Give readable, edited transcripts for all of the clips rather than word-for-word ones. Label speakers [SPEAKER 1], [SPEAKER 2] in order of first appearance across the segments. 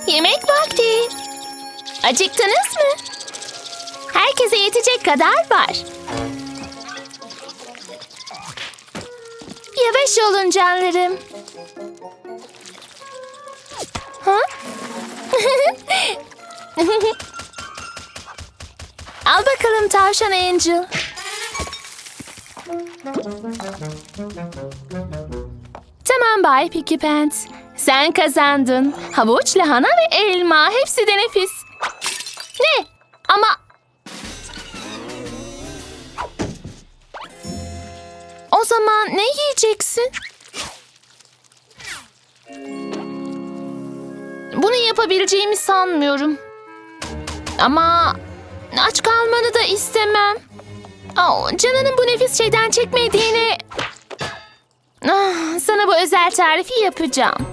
[SPEAKER 1] Yemek vakti. Acıktınız mı? Herkese yetecek kadar var. Yavaş olun canlarım. Ha? Al bakalım tavşan Angel. Tamam Bay Picky Pants. Sen kazandın. Havuç, lahana ve elma. Hepsi de nefis. Ne? Ama... O zaman ne yiyeceksin? Bunu yapabileceğimi sanmıyorum. Ama aç kalmanı da istemem. Canının bu nefis şeyden çekmediğini... Sana bu özel tarifi yapacağım.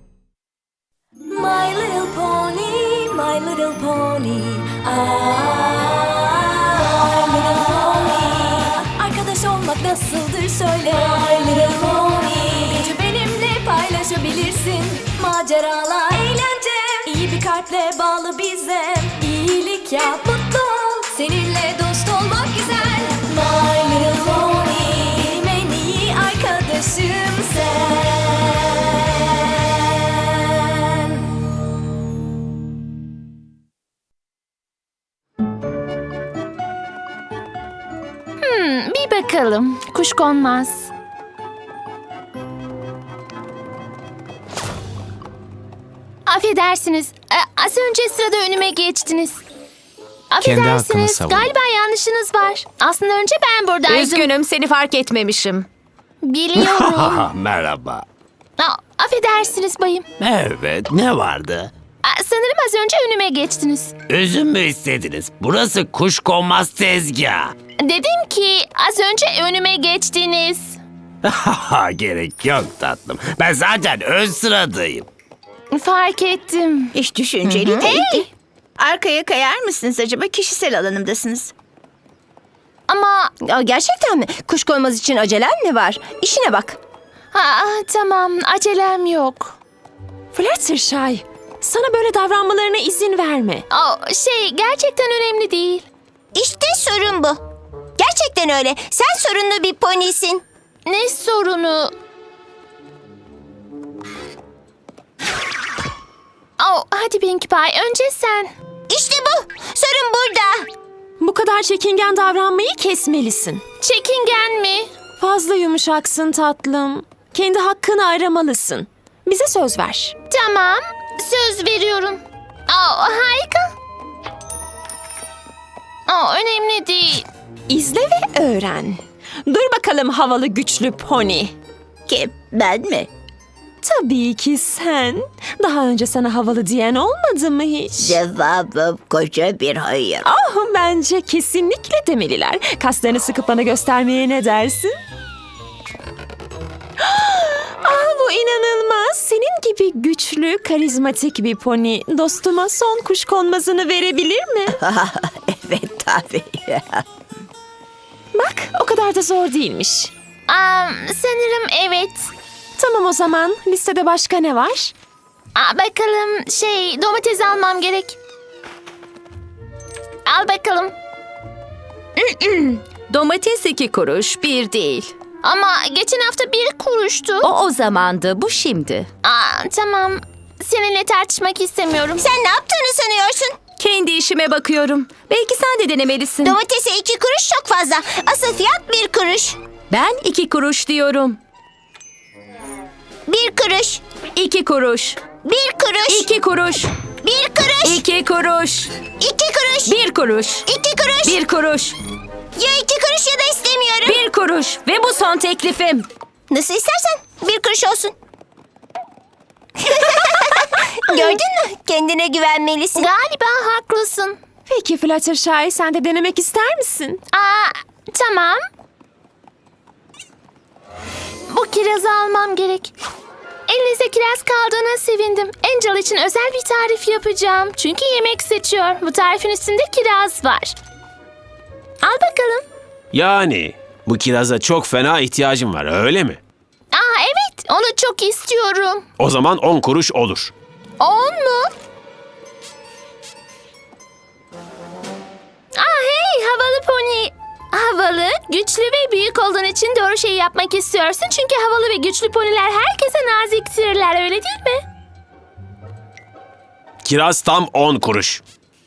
[SPEAKER 2] My little pony, my little pony. My little pony. Arkadaş olmak nasıldır söyle. My little pony. Gücü benimle paylaşabilirsin. Maceralar, eğlence. İyi bir kalple bağlı bize. İyilik yap, mutlu ol. Seninle dost olmak güzel. My little pony. Benim en iyi arkadaşım sen.
[SPEAKER 1] Bir bakalım. Kuşkonmaz. Affedersiniz. Az önce sırada önüme geçtiniz.
[SPEAKER 3] Kendi hakkını
[SPEAKER 1] Affedersiniz.
[SPEAKER 3] savun.
[SPEAKER 1] Galiba yanlışınız var. Aslında önce ben buradaydım.
[SPEAKER 4] Üzgünüm, seni fark etmemişim.
[SPEAKER 1] Biliyorum.
[SPEAKER 3] Merhaba.
[SPEAKER 1] Affedersiniz bayım.
[SPEAKER 3] Evet, ne vardı?
[SPEAKER 1] Sanırım az önce önüme geçtiniz.
[SPEAKER 3] Üzüm mü istediniz? Burası kuşkonmaz tezgah.
[SPEAKER 1] Dedim ki az önce önüme geçtiniz.
[SPEAKER 3] Gerek yok tatlım. Ben zaten ön sıradayım.
[SPEAKER 1] Fark ettim.
[SPEAKER 5] Hiç düşünceli değildi. Arkaya kayar mısınız acaba? Kişisel alanımdasınız.
[SPEAKER 1] Ama
[SPEAKER 6] Gerçekten mi? Kuşkonmaz için acelen mi var? İşine bak.
[SPEAKER 1] tamam acelem yok.
[SPEAKER 4] Fluttershy, sana böyle davranmalarına izin verme.
[SPEAKER 1] Gerçekten önemli değil.
[SPEAKER 6] İşte sorun bu. Gerçekten öyle. Sen sorunlu bir ponisin.
[SPEAKER 1] Ne sorunu? Hadi Pinkie Pie önce sen.
[SPEAKER 6] İşte bu. Sorun burada.
[SPEAKER 4] Bu kadar çekingen davranmayı kesmelisin.
[SPEAKER 1] Çekingen mi?
[SPEAKER 4] Fazla yumuşaksın tatlım. Kendi hakkını aramalısın. Bize söz ver.
[SPEAKER 1] Tamam, söz veriyorum. Harika. Önemli değil.
[SPEAKER 4] İzle ve öğren. Dur bakalım havalı güçlü pony.
[SPEAKER 5] Kim? Ben mi?
[SPEAKER 4] Tabii ki sen. Daha önce sana havalı diyen olmadı mı hiç?
[SPEAKER 5] Cevabım koca bir hayır.
[SPEAKER 4] Bence kesinlikle demeliler. Kaslarını sıkıp bana göstermeye ne dersin? Bu inanılmaz. Senin gibi güçlü, karizmatik bir pony dostuma son kuşkonmazını verebilir mi?
[SPEAKER 5] Evet tabii.
[SPEAKER 4] Bak, o kadar da zor değilmiş.
[SPEAKER 1] Sanırım evet.
[SPEAKER 4] Tamam o zaman. Listede başka ne var?
[SPEAKER 1] Bakalım domates almam gerek. Al bakalım.
[SPEAKER 7] Domates 2 kuruş, bir değil.
[SPEAKER 1] Ama geçen hafta 1 kuruştu.
[SPEAKER 7] O zamandı, bu şimdi.
[SPEAKER 1] Tamam. Seninle tartışmak istemiyorum.
[SPEAKER 6] Sen ne yaptığını sanıyorsun?
[SPEAKER 7] Kendi işime bakıyorum. Belki sen de denemelisin.
[SPEAKER 6] Domatese 2 kuruş çok fazla. Asıl fiyat 1 kuruş.
[SPEAKER 7] Ben 2 kuruş diyorum.
[SPEAKER 6] 1 kuruş.
[SPEAKER 7] 2 kuruş.
[SPEAKER 6] 1 kuruş.
[SPEAKER 7] 2 kuruş.
[SPEAKER 6] 1 kuruş.
[SPEAKER 7] 2 kuruş.
[SPEAKER 6] 2 kuruş.
[SPEAKER 7] 1 kuruş.
[SPEAKER 6] 2 kuruş.
[SPEAKER 7] 1 kuruş.
[SPEAKER 6] Ya 2 kuruş ya da istemiyorum.
[SPEAKER 7] 1 kuruş. Ve bu son teklifim.
[SPEAKER 6] Nasıl istersen 1 kuruş olsun. Gördün mü? Kendine güvenmelisin.
[SPEAKER 1] Galiba haklısın.
[SPEAKER 4] Peki Fluttershy, sen de denemek ister misin?
[SPEAKER 1] Tamam. Bu kirazı almam gerek. Elinizde kiraz kaldığına sevindim. Angel için özel bir tarif yapacağım. Çünkü yemek seçiyor. Bu tarifin üstünde kiraz var. Al bakalım.
[SPEAKER 3] Yani bu kiraza çok fena ihtiyacım var, öyle mi?
[SPEAKER 1] Evet, onu çok istiyorum.
[SPEAKER 3] O zaman 10 kuruş olur.
[SPEAKER 1] 10 mu? havalı, güçlü ve büyük olduğun için doğru şeyi yapmak istiyorsun. Çünkü havalı ve güçlü poniler herkese naziktirler, öyle değil mi?
[SPEAKER 3] Kiraz tam 10 kuruş.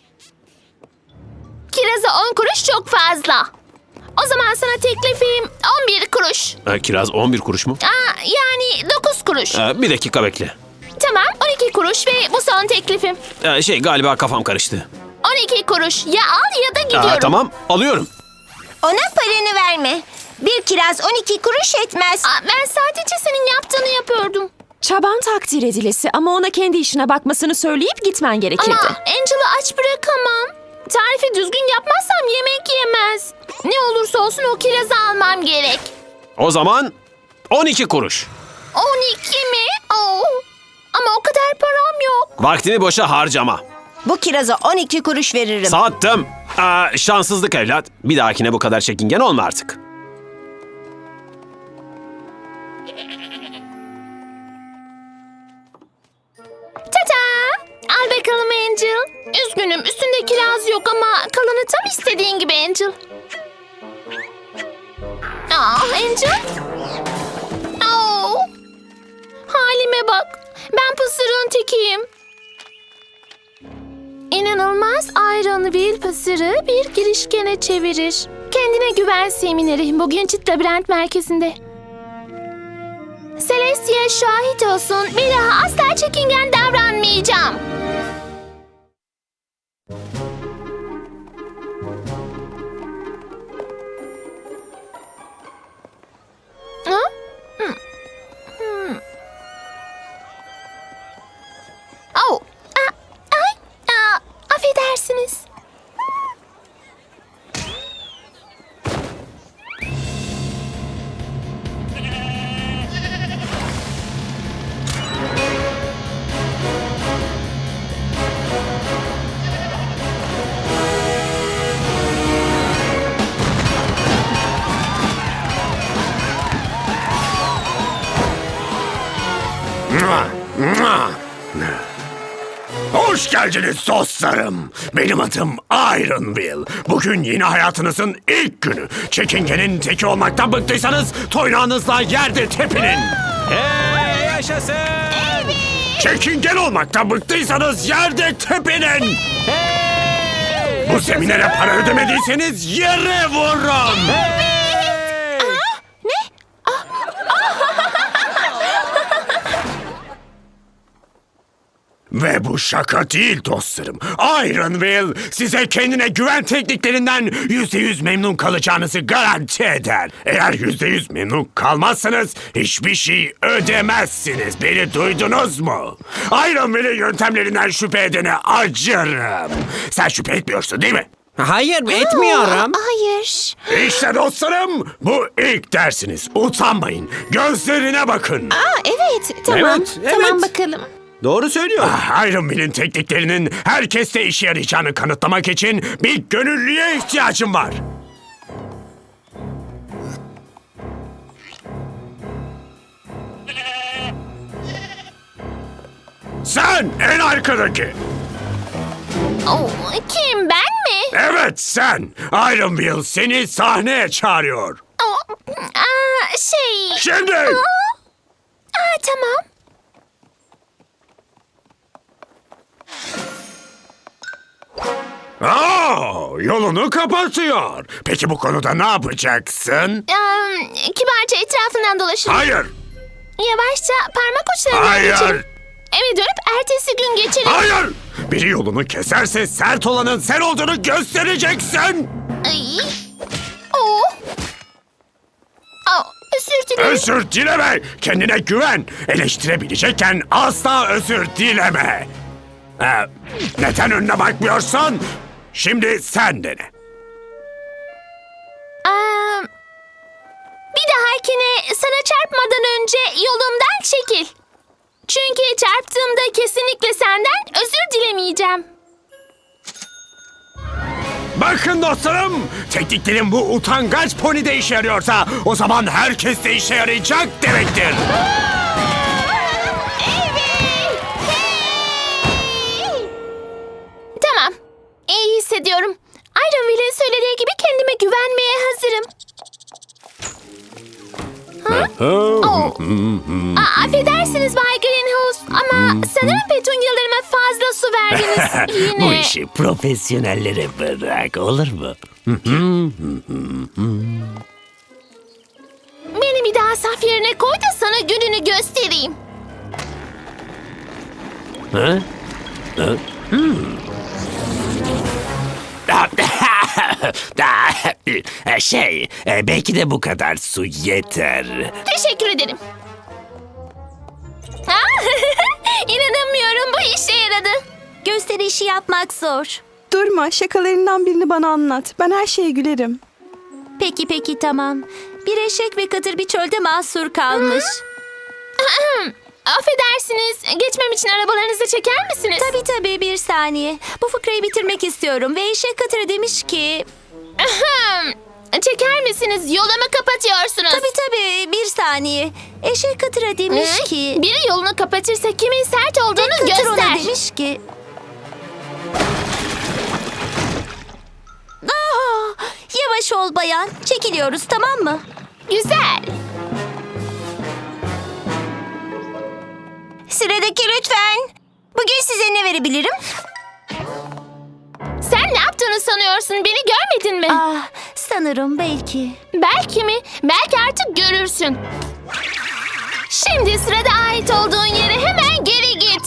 [SPEAKER 1] Kiraza 10 kuruş çok fazla. O zaman sana teklifim 11 kuruş.
[SPEAKER 3] Kiraz 11 kuruş mu?
[SPEAKER 1] Yani 9 kuruş.
[SPEAKER 3] Bir dakika bekle.
[SPEAKER 1] Tamam, 12 kuruş ve bu son teklifim.
[SPEAKER 3] Galiba kafam karıştı.
[SPEAKER 1] 12 kuruş. Ya al ya da gidiyorum.
[SPEAKER 3] Tamam, alıyorum.
[SPEAKER 6] Ona paranı verme. Bir kiraz 12 kuruş etmez.
[SPEAKER 1] Ben sadece senin yaptığını yapıyordum.
[SPEAKER 4] Çaban takdir edilesi ama ona kendi işine bakmasını söyleyip gitmen gerekirdi.
[SPEAKER 1] Ama Angel'ı aç bırakamam. Tarifi düzgün yapmazsam yemek yemez. Ne olursa olsun o kirazı almam gerek.
[SPEAKER 3] O zaman 12 kuruş.
[SPEAKER 1] 12 mi? Oo. Ama o kadar param yok.
[SPEAKER 3] Vaktini boşa harcama.
[SPEAKER 6] Bu kiraza 12 kuruş veririm.
[SPEAKER 3] Sattım. Şanssızlık evlat. Bir dahakine bu kadar çekingen olma artık.
[SPEAKER 1] Tata! Al bakalım Angel. Üzgünüm, üstünde kiraz yok ama kalanı tam istediğin gibi Angel. Angel? Halime bak. Ben pısırığın tekiyim. İnanılmaz Ironville pısırığı bir girişkene çevirir. Kendine güven semineri bugün Çit Labirent Merkezi'nde. Celestia şahit olsun. Bir daha asla çekingen davranmayacağım. Ha? Oh. Affedersiniz.
[SPEAKER 3] Hoş geldiniz dostlarım. Benim adım Ironville. Bugün yeni hayatınızın ilk günü. Çekingenin teki olmaktan bıktıysanız toynağınızla yerde tepinin. Hey yaşasın. Evet. Çekingen olmaktan bıktıysanız yerde tepinin. Hey, bu seminere para ödemediyseniz yere vurun. Hey. Ve bu şaka değil dostlarım. Ironville size kendine güven tekniklerinden %100 memnun kalacağınızı garanti eder. Eğer %100 memnun kalmazsanız hiçbir şey ödemezsiniz. Beni duydunuz mu? Ironville'in yöntemlerinden şüphe edene acırım. Sen şüphe etmiyorsun değil mi?
[SPEAKER 8] Hayır, etmiyorum.
[SPEAKER 6] Hayır.
[SPEAKER 3] İşte dostlarım, bu ilk dersiniz. Utanmayın. Gözlerine bakın.
[SPEAKER 4] Evet, tamam.
[SPEAKER 8] Evet,
[SPEAKER 4] Tamam
[SPEAKER 8] evet.
[SPEAKER 4] bakalım.
[SPEAKER 8] Doğru söylüyor.
[SPEAKER 3] Ironville'in tekniklerinin herkeste işe yarayacağını kanıtlamak için bir gönüllüye ihtiyacım var. Sen en arkadaki.
[SPEAKER 1] Kim, ben mi?
[SPEAKER 3] Evet sen. Ironville seni sahneye çağırıyor. Şimdi.
[SPEAKER 1] Tamam.
[SPEAKER 3] Yolunu kapatıyor. Peki bu konuda ne yapacaksın?
[SPEAKER 1] Kibarca etrafından dolaşırım.
[SPEAKER 3] Hayır.
[SPEAKER 1] Yavaşça parmak uçlarından
[SPEAKER 3] Hayır.
[SPEAKER 1] geçerim. Eve dönüp ertesi gün geçerim.
[SPEAKER 3] Hayır. Biri yolunu keserse sert olanın sen olduğunu göstereceksin.
[SPEAKER 1] Ay. Oh. Özür dilerim.
[SPEAKER 3] Özür dileme. Kendine güven. Eleştirebilecekken asla özür dileme. Neden önüne bakmıyorsun? Şimdi sen dene.
[SPEAKER 1] Bir dahakine sana çarpmadan önce yolumdan çekil. Çünkü çarptığımda kesinlikle senden özür dilemeyeceğim.
[SPEAKER 3] Bakın dostlarım, tekniklerin bu utangaç ponide işe yarıyorsa o zaman herkes de işe yarayacak demektir.
[SPEAKER 1] Tamam. İyi hissediyorum. Ironville'in söylediği gibi kendime güvenmeye hazırım. Affedersiniz Bay Greenhouse ama sanırım petunyalarıma fazla su verdiniz yine.
[SPEAKER 3] Bu işi profesyonellere bırak, olur mu?
[SPEAKER 1] Beni bir daha saf yerine koy da sana gününü göstereyim.
[SPEAKER 3] Belki de bu kadar su yeter.
[SPEAKER 1] Teşekkür ederim. İnanamıyorum, bu işe yaradı.
[SPEAKER 6] Gösterişi yapmak zor.
[SPEAKER 9] Durma, şakalarından birini bana anlat. Ben her şeye gülerim.
[SPEAKER 6] Peki tamam. Bir eşek ve katır bir çölde mahsur kalmış.
[SPEAKER 1] Affedersiniz, geçmem için arabalarınızı çeker misiniz?
[SPEAKER 6] Tabii bir saniye. Bu fıkrayı bitirmek istiyorum ve eşek katıra demiş ki...
[SPEAKER 1] Çeker misiniz? Yolumu kapatıyorsunuz.
[SPEAKER 6] Tabii bir saniye. Eşek katıra demiş ki...
[SPEAKER 1] Biri yolunu kapatırsa kimin sert olduğunu
[SPEAKER 6] Katır ona
[SPEAKER 1] göster.
[SPEAKER 6] demiş ki... Yavaş ol bayan. Çekiliyoruz, tamam mı?
[SPEAKER 1] Güzel.
[SPEAKER 6] Sıradaki lütfen. Bugün size ne verebilirim?
[SPEAKER 1] Sen ne yaptığını sanıyorsun? Beni görmedin mi?
[SPEAKER 6] Sanırım belki.
[SPEAKER 1] Belki mi? Belki artık görürsün. Şimdi sırada ait olduğun yere hemen geri git.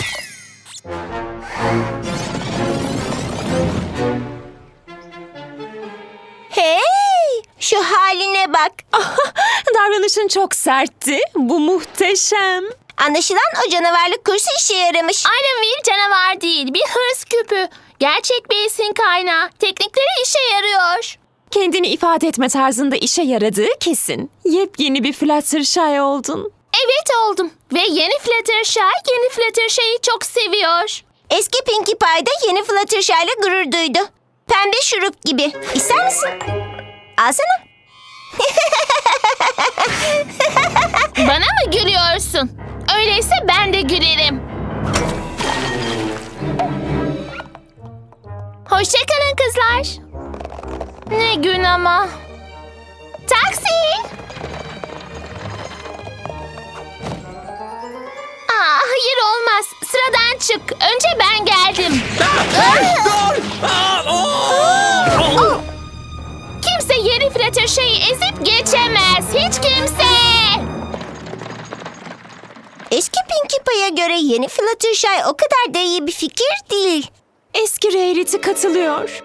[SPEAKER 6] Hey! Şu haline bak.
[SPEAKER 4] Davranışın çok sertti. Bu muhteşem.
[SPEAKER 6] Anlaşılan o canavarlık kursu işe yaramış.
[SPEAKER 1] Ironville canavar değil, bir hırs küpü. Gerçek bir esin kaynağı. Teknikleri işe yarıyor.
[SPEAKER 4] Kendini ifade etme tarzında işe yaradığı kesin. Yepyeni bir Fluttershy oldun.
[SPEAKER 1] Evet oldum. Ve yeni Fluttershy, yeni Fluttershy'yi çok seviyor.
[SPEAKER 6] Eski Pinkie Pie da yeni Fluttershy ile gurur duydu. Pembe şurup gibi. İster misin? Alsana.
[SPEAKER 1] Bana mı gülüyorsun? Öyleyse ben de gülerim. Hoşçakalın kızlar. Ne gün ama. Taksi. Hayır olmaz. Sıradan çık. Önce ben geldim. Kimse yeni Fluttershy'yi ezip geçemez. Hiç kimse.
[SPEAKER 6] Eski Pinkie Pie'ye göre yeni Fluttershy o kadar da iyi bir fikir değil.
[SPEAKER 4] Eski Rarity katılıyor.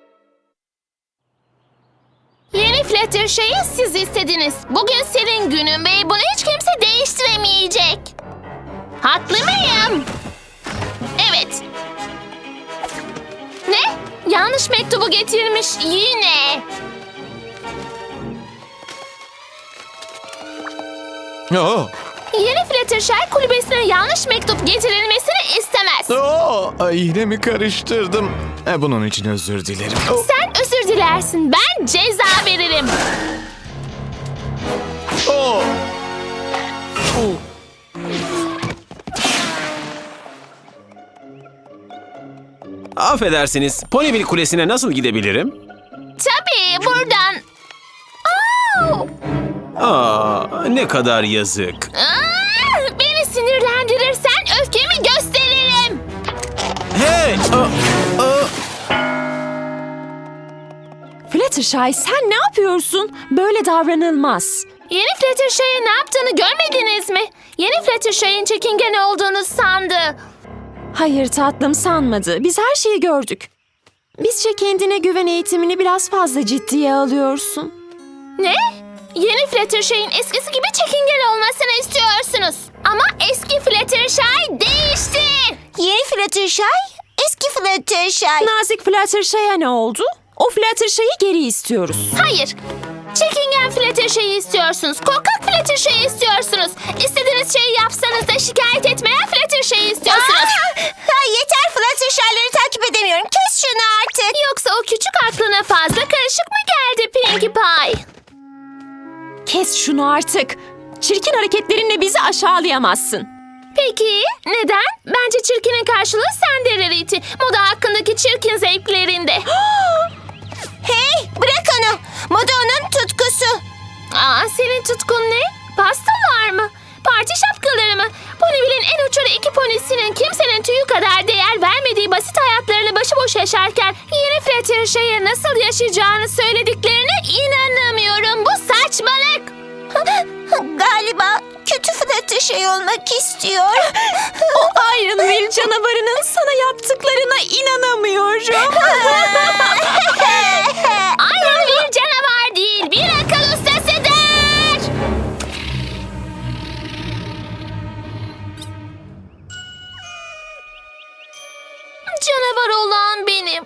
[SPEAKER 1] Yeni Fluttershy'yi siz istediniz. Bugün senin günün ve bunu hiç kimse değiştiremeyecek. Haklı mıyım? Evet. Ne? Yanlış mektubu getirmiş yine. Yeni Fluttershy kulübesine yanlış mektup getirilmesini istemez.
[SPEAKER 10] Yine mi karıştırdım? Bunun için özür dilerim.
[SPEAKER 1] Sen özür dilersin. Ben ceza veririm.
[SPEAKER 8] Affedersiniz, Ponyville Kulesi'ne nasıl gidebilirim?
[SPEAKER 1] Tabii buradan.
[SPEAKER 8] Ne kadar yazık.
[SPEAKER 1] Beni sinirlendirirsen öfkemi gösteririm.
[SPEAKER 8] Hey!
[SPEAKER 4] Fluttershy sen ne yapıyorsun? Böyle davranılmaz.
[SPEAKER 1] Yeni Fluttershy'e ne yaptığını görmediniz mi? Yeni Fluttershy'in çekingen olduğunu sandı.
[SPEAKER 4] Hayır tatlım sanmadı. Biz her şeyi gördük. Bizce kendine güven eğitimini biraz fazla ciddiye alıyorsun.
[SPEAKER 1] Ne? Yeni Fluttershy'in eskisi gibi çekingen olmasını istiyorsunuz. Ama eski Fluttershy değişti.
[SPEAKER 6] Yeni Fluttershy, eski Fluttershy.
[SPEAKER 4] Nazik Fluttershy'e ne oldu? O Fluttershy'yi geri istiyoruz.
[SPEAKER 1] Hayır. Çekingen Fluttershy'yi istiyorsunuz. Korkak Fluttershy'yi istiyorsunuz. İstediğiniz şeyi yapsanız da şikayet etmeyen Fluttershy'yi istiyorsunuz.
[SPEAKER 6] Yeter, Fluttershy'ları takip edemiyorum. Kes şunu artık.
[SPEAKER 1] Yoksa o küçük aklına fazla karışık mı geldi Pinkie Pie?
[SPEAKER 4] Kes şunu artık. Çirkin hareketlerinle bizi aşağılayamazsın.
[SPEAKER 1] Peki neden? Bence çirkinin karşılığı sende Rarity. Moda hakkındaki çirkin zevklerinde.
[SPEAKER 6] Hey, bırak onu. Moda onun tutkusu.
[SPEAKER 1] Senin tutkun ne? yaşarken yeni Fluttershy'e nasıl yaşayacağını söylediklerine inanamıyorum. Bu saçmalık.
[SPEAKER 6] Galiba kötü Fluttershy olmak istiyor.
[SPEAKER 4] O Ironville canavarının sana yaptıklarına inanamıyorum.
[SPEAKER 1] Iron bir canavar değil, bir akıl ustasıdır. Canavar olan benim.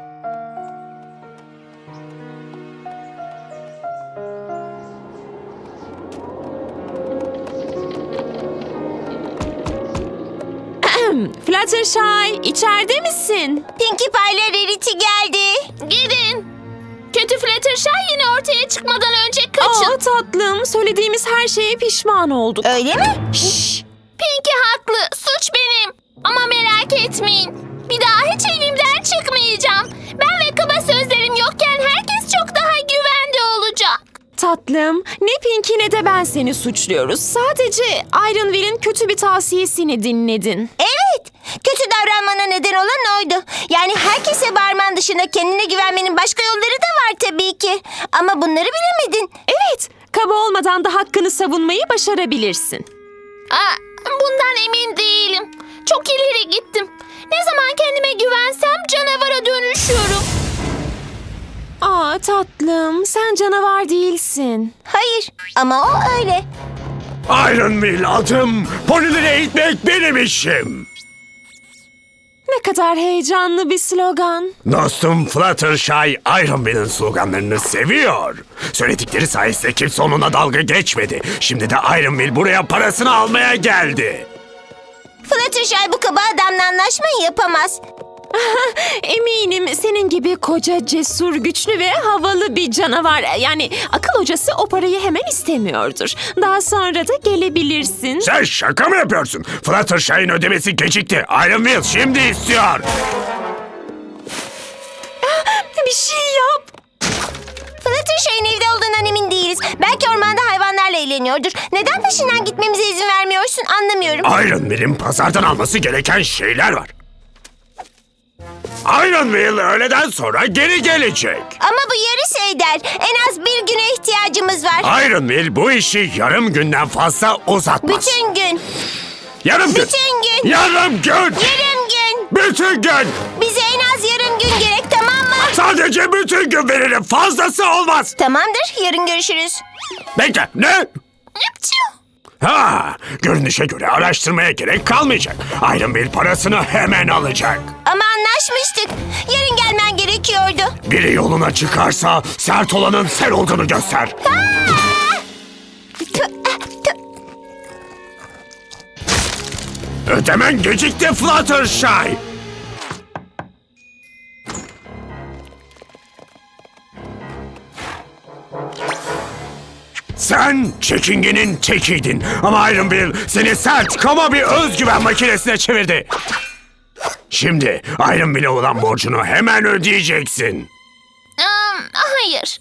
[SPEAKER 4] Fluttershy, içeride misin?
[SPEAKER 6] Pinkie Pie ile Rarity geldi.
[SPEAKER 1] Gidin. Kötü Fluttershy yine ortaya çıkmadan önce kaçın.
[SPEAKER 4] Aa tatlım, söylediğimiz her şeye pişman olduk.
[SPEAKER 6] Öyle mi?
[SPEAKER 1] Pinkie haklı, suç benim. Ama merak etmeyin. Bir daha hiç evimden çıkmayacağım. Ben ve kaba sözlerim yokken herkes çok daha güvende olacak.
[SPEAKER 4] Tatlım, ne Pinkie ne de ben seni suçluyoruz. Sadece Ironville'in kötü bir tavsiyesini dinledin.
[SPEAKER 6] Evet. Kötü davranmana neden olan oydu. Yani herkese bağırman dışında kendine güvenmenin başka yolları da var tabii ki. Ama bunları bilemedin.
[SPEAKER 4] Evet, kaba olmadan da hakkını savunmayı başarabilirsin.
[SPEAKER 1] Bundan emin değilim. Çok ileri gittim. Ne zaman kendime güvensem canavara dönüşüyorum.
[SPEAKER 4] Aa tatlım, sen canavar değilsin.
[SPEAKER 6] Hayır ama o öyle.
[SPEAKER 3] Ironville adım. Ponileri eğitmek benim işim.
[SPEAKER 4] Ne kadar heyecanlı bir slogan.
[SPEAKER 3] Dostum Fluttershy Ironville'in sloganlarını seviyor. Söyledikleri sayesinde kimse onunla dalga geçmedi. Şimdi de Ironville buraya parasını almaya geldi.
[SPEAKER 6] Fluttershy bu kaba adamla anlaşmayı yapamaz.
[SPEAKER 4] Eminim senin gibi koca, cesur, güçlü ve havalı bir canavar. Yani akıl hocası o parayı hemen istemiyordur. Daha sonra da gelebilirsin.
[SPEAKER 3] Sen şaka mı yapıyorsun? Fluttershy'in ödemesi gecikti. Ironville şimdi istiyor.
[SPEAKER 4] Bir şey yap.
[SPEAKER 6] Fluttershy'in evde olduğundan emin değiliz. Belki ormanda hayvanlarla eğleniyordur. Neden peşinden gitmemize izin vermiyorsun anlamıyorum.
[SPEAKER 3] Ironville'in pazardan alması gereken şeyler var. Ironville öğleden sonra geri gelecek.
[SPEAKER 6] Ama bu yarış eder. En az bir güne ihtiyacımız var.
[SPEAKER 3] Ironville bu işi yarım günden fazla uzatmaz.
[SPEAKER 6] Bütün gün.
[SPEAKER 3] Yarım gün.
[SPEAKER 6] Bütün gün.
[SPEAKER 3] Yarım gün.
[SPEAKER 6] Yarım gün.
[SPEAKER 3] Bütün gün.
[SPEAKER 6] Bize en az yarım gün gerek, tamam mı?
[SPEAKER 3] Sadece bütün gün veririm. Fazlası olmaz.
[SPEAKER 6] Tamamdır. Yarın görüşürüz.
[SPEAKER 3] Bekle. Ne? Ha, görünüşe göre araştırmaya gerek kalmayacak. Ironville parasını hemen alacak.
[SPEAKER 6] Ama anlaşmıştık. Yarın gelmen gerekiyordu.
[SPEAKER 3] Biri yoluna çıkarsa sert olanın sen olduğunu göster. Ödemen gecikti Fluttershy. Sen çekingenin tekiydin ama Ironville seni sert, kaba bir özgüven makinesine çevirdi. Şimdi Ironville'e olan borcunu hemen ödeyeceksin.
[SPEAKER 1] Hayır.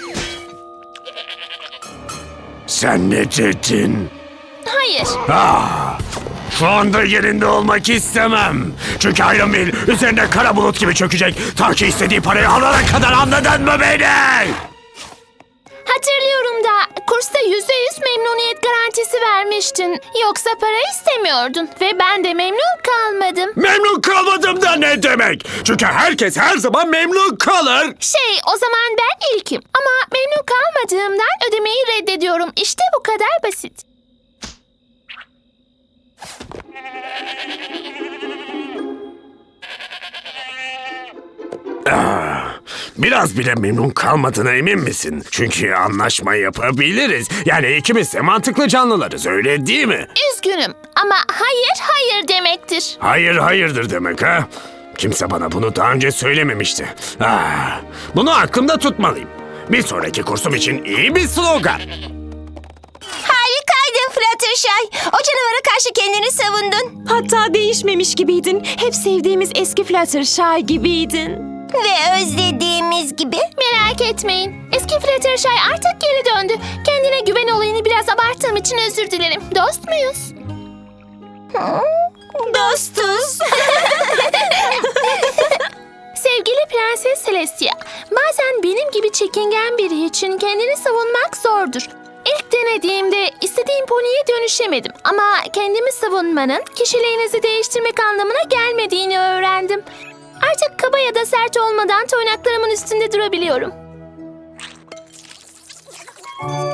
[SPEAKER 3] Sen ne dedin?
[SPEAKER 1] Hayır.
[SPEAKER 3] Şu anda yerinde olmak istemem. Çünkü Ironville üzerine kara bulut gibi çökecek. Ta ki istediği parayı alana kadar, anladın mı beni?
[SPEAKER 1] Hatırlıyorum da kursta %100 memnuniyet garantisi vermiştin. Yoksa para istemiyordun ve ben de memnun kalmadım.
[SPEAKER 3] Memnun kalmadım da ne demek? Çünkü herkes her zaman memnun kalır.
[SPEAKER 1] O zaman ben ilkim. Ama memnun kalmadığımdan ödemeyi reddediyorum. İşte bu kadar basit.
[SPEAKER 3] Biraz bile memnun kalmadığına emin misin? Çünkü anlaşma yapabiliriz. Yani ikimiz de mantıklı canlılarız, öyle değil mi?
[SPEAKER 1] Üzgünüm ama hayır demektir.
[SPEAKER 3] Hayır hayırdır demek ha? Kimse bana bunu daha önce söylememişti. Bunu aklımda tutmalıyım. Bir sonraki kursum için iyi bir slogan.
[SPEAKER 6] Harikaydın Fluttershy. O canavara karşı kendini savundun.
[SPEAKER 4] Hatta değişmemiş gibiydin. Hep sevdiğimiz eski Fluttershy gibiydin.
[SPEAKER 6] Ve özlediğimiz gibi.
[SPEAKER 1] Merak etmeyin. Eski Fluttershy artık geri döndü. Kendine güven olayını biraz abarttığım için özür dilerim. Dost muyuz?
[SPEAKER 6] Dostuz.
[SPEAKER 1] Celestia. Bazen benim gibi çekingen biri için kendini savunmak zordur. İlk denediğimde istediğim poniye dönüşemedim. Ama kendimi savunmanın kişiliğinizi değiştirmek anlamına gelmediğini öğrendim. Artık kaba ya da sert olmadan toynaklarımın üstünde durabiliyorum.